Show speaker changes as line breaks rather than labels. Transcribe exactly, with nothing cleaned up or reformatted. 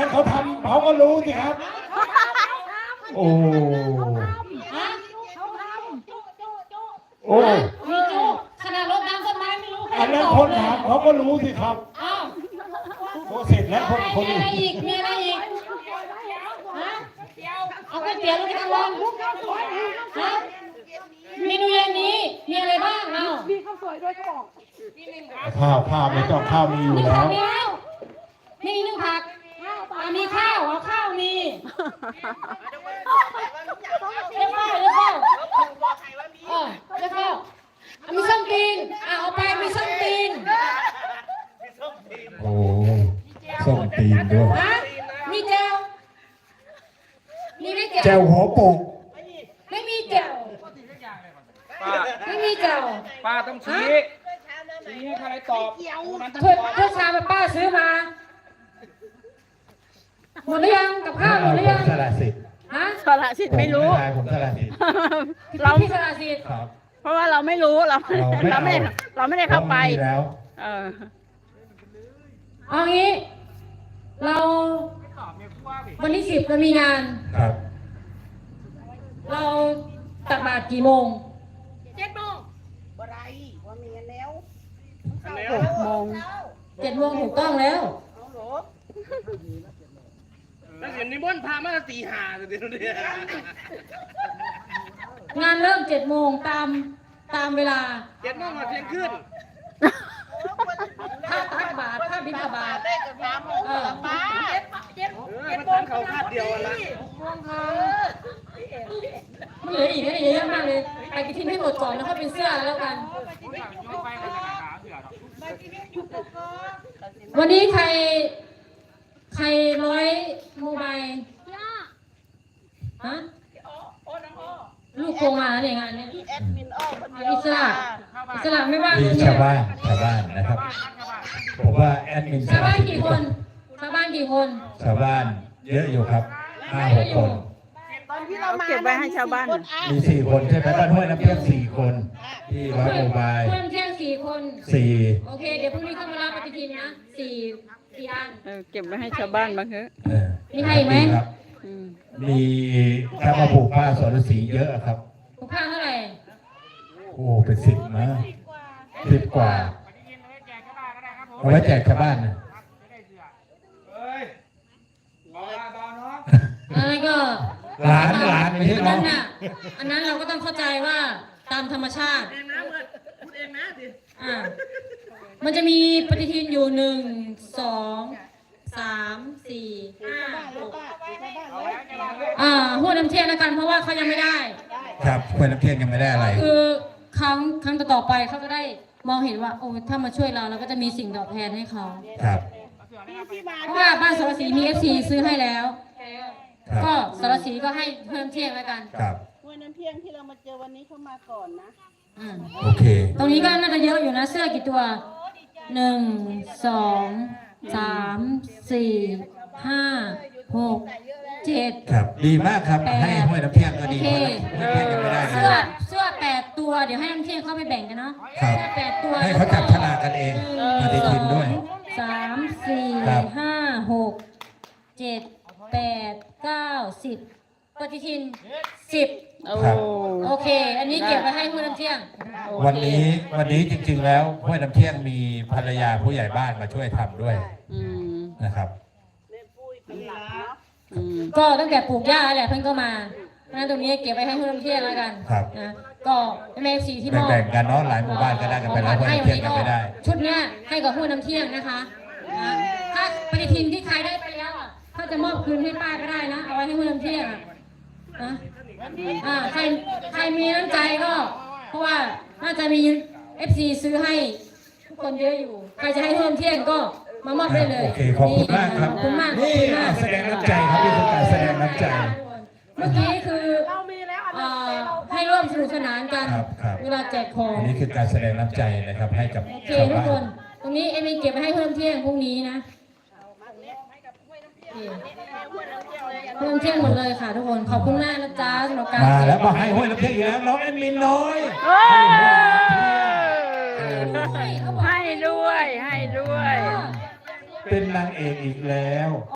เขาทำเขาก็รู้สิครับโอ้โอ้
มีจุขนาดรถน้ำต้นไม้ไม่รู้
อันนั้นคนถามเขาก็รู้สิครับ
อ้าว
โอ้เสร็จแล้วคนคน
มีอะไรอีกมีอะไรอีกฮะเอาก๋วยเตี๋ยวแล้วไปทำอะไรฮะเมนูเย็นนี้มีอะไรบ้างเอา
มีข้าวสวยด้วยก็บอก
ข้าวข้าวไม่ต้องข้าวมีอยู่แล้ว
มีนึ่งผักมีข้าวเอาข้าวมีเรียกข้าวเรียกข้าวเออเรียกข้าวมีส้มตีนเอาไปมีส้มตีน
โอ้ส้มตีนด้วย
มีแจ่วมีไม่แจ่ว
แจ่วหัวโปก
ไม่มีแจ่วไม่มีแจ่ว
ป้าต้องชี้ชี้ให้ใครตอบ
เพื่อเพื่อชาไปป้าซื้อมาหมดหรือยังกับข้าวหมดหรือยัง
สละสิทธิ์
ฮะสละสิทธิ์ไม่รู้
ผมสละสิทธิ์
เราที่สละสิทธิ์
เพราะว่าเราไม่รู้เราเราไม่เราไม่ได้เข้าไป
แล้ว
เออ
เอางี้เราวันที่สิบเรามีงาน
ครับ
เราตักบาตรกี่โมง
เจ็ดโมงบ่ได้ว่ามีแล้ว
หกโมงเจ็ดโมงถูกต้องแล้ว
แล้วเห็นนิมนต์พามาตีหาเดี๋ยวนี้
งานเริ่มเจ็ดโมงตามตามเวลา
เจ็ดโมงมาเที่ยงคืน
ถ้าตักบาตรถ้าบิณฑบาตเออ
เจ็ดโมงเขาคาดเดียวละ
มันเหลืออีกนะเยอะมากเลยไปกินที่ให้หมดก่อนแล้วค่อยเป็นเสื้อแล้วกันวันนี้ใครใครร้อยโมบายฮะลูกโกงมาเนี่ยงานเนี้ยอิสระอิสระไม่ว่าง
มีชาวบ้านชาวบ้านนะครับผมว่าแอดมิน
ชาวบ้านกี่คนชาวบ้านกี่คน
ชาวบ้านเยอะอยู่ครับห้าหกคน
ตอนที่เราเก็บไว้ให้ชาวบ้าน
มีสี่คนใช่ไหมบ้านห้วยน้ำเพียงสี่คนที่ร้อยโมบาย
เพื่อนเพียงสี่คน
สี่
โอเคเดี๋ยวพรุ่งนี้เข้ามารับปฏิทินนะสี่สี่อัน
เก็บไว้ให้ชาวบ้านบ้างเถอะ
มีใครไหม
มีถ้ามาผูกผ้าสรสีเยอะครับ
ผูกผ้าเท่าไหร่
โอ้เป็นสิบนะสิบกว่าเอาไว้แจกชาวบ้านนะ
อะไรก็
หลานหลานไม่ใช่น้อง
อันนั้นเราก็ต้องเข้าใจว่าตามธรรมชาติอ่ามันจะมีปฏิทินอยู่หนึ่งสองสามสี่ห้าหกอ่าหัวน้ำเทียนแล้วกันเพราะว่าเขายังไม่ได้
ครับหัวน้ำเทียนยังไม่ได้อะไร
คือครั้งครั้งต่อไปเขาจะได้มองเห็นว่าโอ้ถ้ามาช่วยเราเราก็จะมีสิ่งตอบแทนให้เขา
ครับ
เพราะว่าบ้านสารสีมีเอฟซีซื้อให้แล้วก็สารสีก็ให้เพิ่มเที่ยงแล้วกัน
ครับ
หัวน้ำเที่ยงที่เรามาเจอวันนี้เขามาก่อนนะ
โอเค
ตรงนี้ก็น่าจะเยอะอยู่นะเสื้อกี่ตัวหนึ่งสองสามสี่ห้าหกเจ็ด
ครับดีมากครับให้ห้วยน้ำเที่ยงก็ดี
เสื้อเสื้อแปดตัวเดี๋ยวให้น้ำเที่ยงเข้าไปแบ่งกันเนาะ
ครับ
แปดตัว
ให้เขาจับฉลากกันเองปฏิทินด้วย
สามสี่ห้าหกเจ็ดแปดเก้าสิบปฏิทินสิบโอเคอันนี้เก็บไว้ให้ห้วยน้ำเที่ยง
วันนี้วันนี้จริงๆแล้วห้วยน้ำเที่ยงมีภรรยาผู้ใหญ่บ้านมาช่วยทำด้วยนะครับ
ก็ตั้งแต่ปลูกหญ้าแหละเพิ่งก็มาเพราะฉะนั้นตรงนี้เก็บไว้ให้ห้วยน้ำเที่ยงแล้วกันนะก็แม่สีที่มอบ
แบ่งกันเนาะหลายหมู่บ้านก็ได้กันไปแล้วห้วยน้ำเที่ยงกันไม่ได้
ชุดเนี้ยให้กับห้วยน้ำเที่ยงนะคะถ้าปฏิทินที่ใครได้ไปแล้วอ่ะเขาจะมอบคืนให้ป้าก็ได้นะเอาไว้ให้ห้วยน้ำเที่ยงนะอ่าใครใครมีน้ำใจก็เพราะว่าน่าจะมี เอฟ ซี ซื้อให้ทุกคนเยอะอยู่ใครจะให้ห้วยน้ำเที่ยงก็มามอบได้เลย
โอเคขอบคุณมากครับ
ขอบคุณมาก
นี่แสดงน้ำใจครับนี่คือการแสดงน้ำใจ
เมื่อกี้คือให้ร่วมสนุกสนานกันเวลาแจกของ
นี่คือการแสดงน้ำใจนะครับให้กับ
ชาวบ้านตรงนี้เอ็มเก็บไว้ให้เพิ่มเที่ยงพรุ่งนี้นะเพิ่มเที่ยงหมดเลยค่ะทุกคนขอบคุณมากนะจ๊ะสำหรับการ
มาแล้วมาให้ห้วยน้ำเที่ยงอีกแล้วน้องแอดมินน้อย
ให้ด้วยให้ด้วย
เป็นนางเอกอีกแล้ว